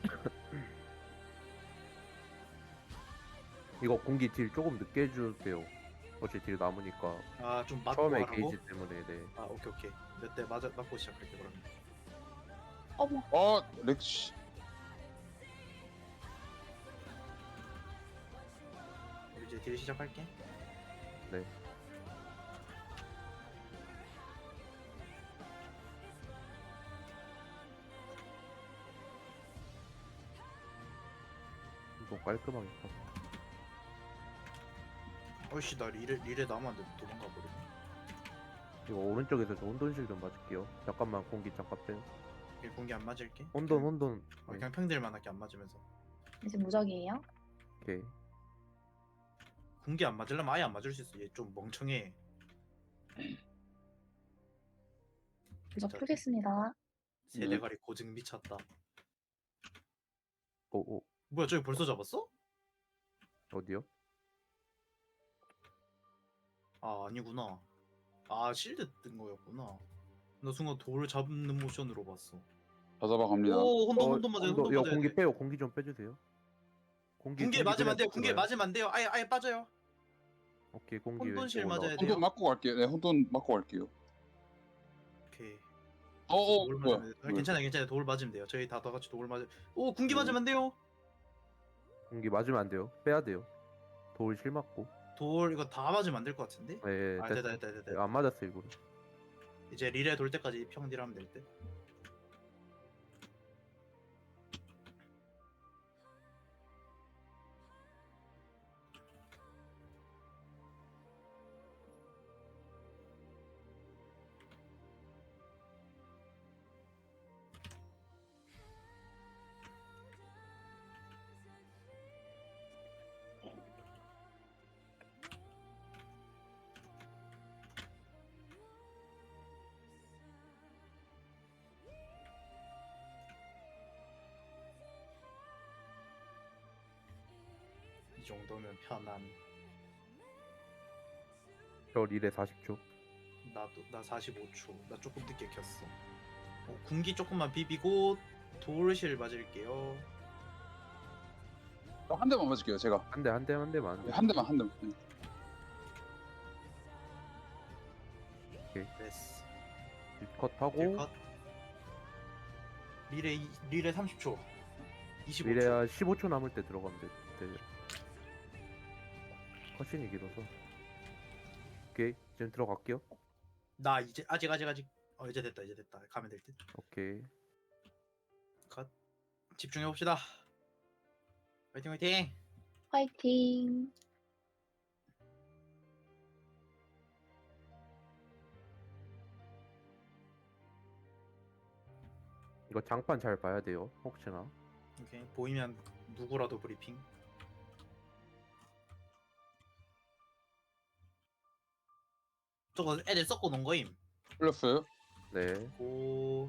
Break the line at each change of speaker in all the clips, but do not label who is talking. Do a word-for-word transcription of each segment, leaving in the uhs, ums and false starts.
이거 공기 딜 조금 늦게 해주세요. 어차피 딜 남으니까.
아좀 맞고
처음에
하라고?
게이지 때문에, 네.
아 오케이 오케이 몇 대 맞아 맞고 시작할게 그러면.
어머,
어, 렉시.
우리 이제 딜 시작할게.
네. 좀 깔끔하게 파.
어이씨 나 리레 리레 남았는데 도망가 버리네.
이거 오른쪽에서 저 혼돈실 좀 맞을게요. 잠깐만 공기 잠깐 빼요.
오케이, 공기 안 맞을게.
혼돈 혼돈.
어,
네.
그냥 평딜만 할게 안 맞으면서.
이제 무적이에요?
오케이.
공기 안 맞으려면 아예 안 맞을 수 있어. 얘 좀 멍청해.
무적 풀겠습니다.
세
네.
대가리 고증 미쳤다.
오, 오.
뭐야 저기 벌써 잡았어?
어디요?
아 아니구나. 아 실드 뜬 거였구나. 나 순간 돌 잡는 모션으로 봤어.
다 잡아갑니다.
오 혼돈
어,
혼돈 맞아요.
혼돈,
혼돈
이거
맞아야
공기
돼.
빼요. 공기 좀 빼주세요. 공기,
군기에
공기
맞으면 안 돼요.
그냥
군기에
들어가요.
맞으면 안 돼요. 아예 아예 빠져요.
오케이 공기
혼돈실
왼쪽으로
맞아야
올라가.
돼요.
혼돈 맞고 갈게요. 네, 혼돈 맞고 갈게요.
오케이.
어, 어,
돌
뭐야?
맞으면 돼. 아, 괜찮아요, 괜찮아요. 돌 맞으면 돼요. 저희 다 다 같이 돌 맞으. 오 군기
음.
맞으면 안 돼요.
공기 맞으면 안 돼요. 빼야 돼요. 돌 실 맞고.
돌 이거 다 맞으면 안 될 것 같은데?
네,
아
됐-
됐다 됐다 됐다.
네, 안 맞았어 일부러.
이제 리레 돌 때까지 평딜하면 될 듯. 이 정도면 편한.
저 리레 사십 초.
나도 나 사십오 초. 나 조금 늦게 켰어. 어, 군기 조금만 비비고 돌실 맞을게요.
어, 한 대만 맞을게요. 제가.
한 대, 한 대, 한 대만. 한
네,
대.
한 대만 한 대만. 네.
됐어.
컷하고
딜컷. 리레 이- 리레 삼십 초. 이십오 초.
미래야 십오 초 남을 때 들어가면 돼. 돼. 컷신이 길어서. 오케이 지금 들어갈게요.
나 이제 아직 아직 아직. 어 이제 됐다 이제 됐다. 가면 될 듯.
오케이.
컷. 집중해 봅시다. 화이팅 화이팅.
화이팅.
이거 장판 잘 봐야 돼요. 혹시나.
오케이 보이면 누구라도 브리핑. 저거 애들 섞어 놓은 거임.
풀렸어요?
네.
고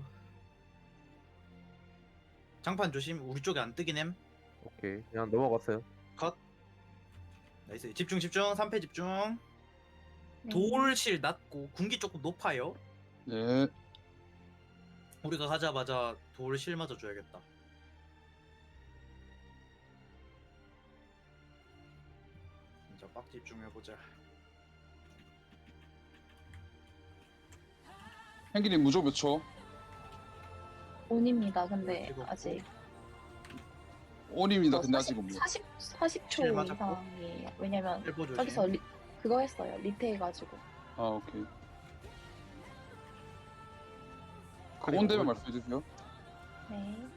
장판 조심. 우리 쪽에 안 뜨긴 햄.
오케이 그냥 넘어갔어요.
컷. 나이스. 집중 집중. 삼 패 집중.
네.
돌실 낮고 군기 조금 높아요.
네.
우리가 가자마자 돌실 맞아줘야겠다. 진짜 빡 집중해보자.
행기님 무조 몇 초?
온입니다. 근데
찍었고.
아직
온입니다.
어,
근데 아직은 뭐.
사십, 사십 초
칠 맞았고.
이상이에요. 왜냐면
일보 조심.
저기서 리, 그거 했어요. 리테 해가지고.
아, 오케이.
그리고
그건 되면
뭘-
말씀해 주세요.
네.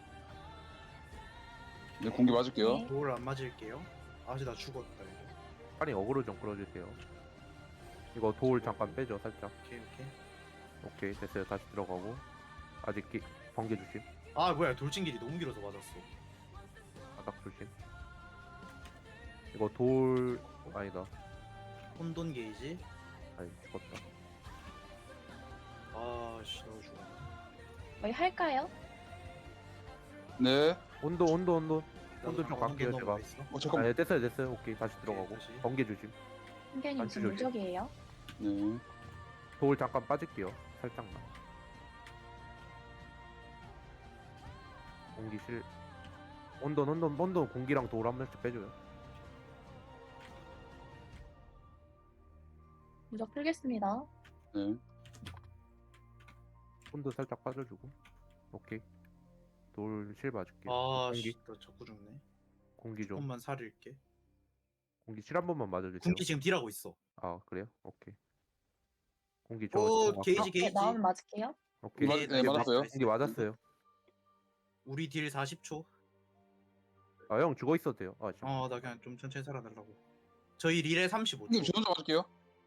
네, 공기 맞을게요.
네.
돌 안 맞을게요. 아직 나 죽었다 이거.
빨리 어그로 좀 끌어주세요. 이거 돌 잠깐 빼죠 살짝.
오케이 오케이.
오케이 됐어요. 다시 들어가고. 아직 기, 번개 조심.
아 뭐야 돌진길이 너무 길어서 맞았어.
바닥 조심. 이거 돌 아니다.
혼돈 게이지.
아니 죽었다.
아씨 너 죽어.
저희 할까요?
네.
온도 온도 온도. 혼돈 좀 갈게요, 제가.
있어.
어,
아,
잠깐만.
네, 됐어요 됐어요. 오케이 다시 들어가고.
다시.
번개 조심.
한견님
안주
지금
조심.
무적이에요?
네.
돌 잠깐 빠질게요. 살짝만. 공기실 혼돈 혼돈 혼돈 공기랑 돌 한 번씩 빼줘요.
무적 풀겠습니다.
네.
혼돈 살짝 빠져주고. 오케이. 돌 실 맞을게요.
아,
공기
씨, 나 자꾸 죽네.
공기 좀
조금만 살릴게.
공기 실 한 번만 맞아주세요.
군기 지금 딜하고 있어.
아 그래요? 오케이. 공기 저
오,
지금
게이지,
아까-
네,
게이지.
마음 맞을게요.
오케이.
맞-
네,
네, 맞았어요.
공기 맞았어요.
우리 딜 사십 초.
아 형 죽어 있어도 돼요. 아 지금
어, 나 그냥 좀 천천히 살아달라고. 저희 릴에 삼십오 초.
형님 저 혼자 맞을게요.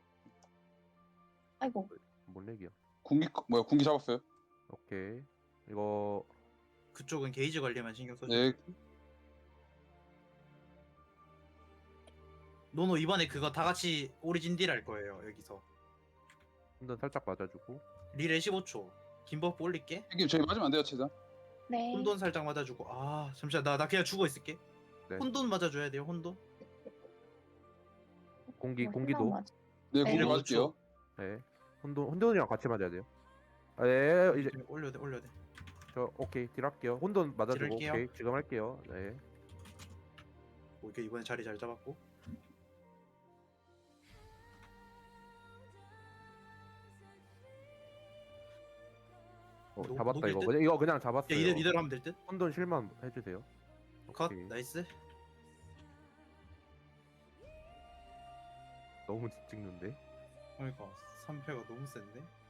아이고,
뭔 얘기야?
공기 뭐야 공기 잡았어요.
오케이. 이거
그쪽은 게이지 관리만 신경 써줘.
네.
노노 이번에 그거 다 같이 오리진 딜 할 거예요. 여기서.
혼돈 살짝 맞아주고.
릴에 십오 초. 긴 버프 올릴게.
형님 저희 맞으면 안 돼요 최대한.
네.
혼돈 살짝 맞아주고. 아, 잠시만. 나, 나 그냥 죽어 있을게.
네.
혼돈 맞아줘야 돼요. 혼돈.
공기
어,
공기도.
희망 맞-
네
네.
공기 맞을게요.
네. 혼돈 혼돈이랑 같이 맞아야 돼요. 아, 네. 이제
올려야 돼. 올려야 돼.
저 오케이 딜 할게요. 혼돈 맞아주고.
딜할게요.
오케이 지금 할게요. 네.
오케이, 이번에 자리 잘 잡았고.
어,
녹-
잡았다
녹일
이거.
듯?
그냥 이거 그냥
야,
잡았어요.
이대로, 이대로 하면 될 듯?
혼돈 실만 해주세요.
컷.
오케이.
나이스.
너무 찍는데.
그러니까 삼 패가 너무 센데?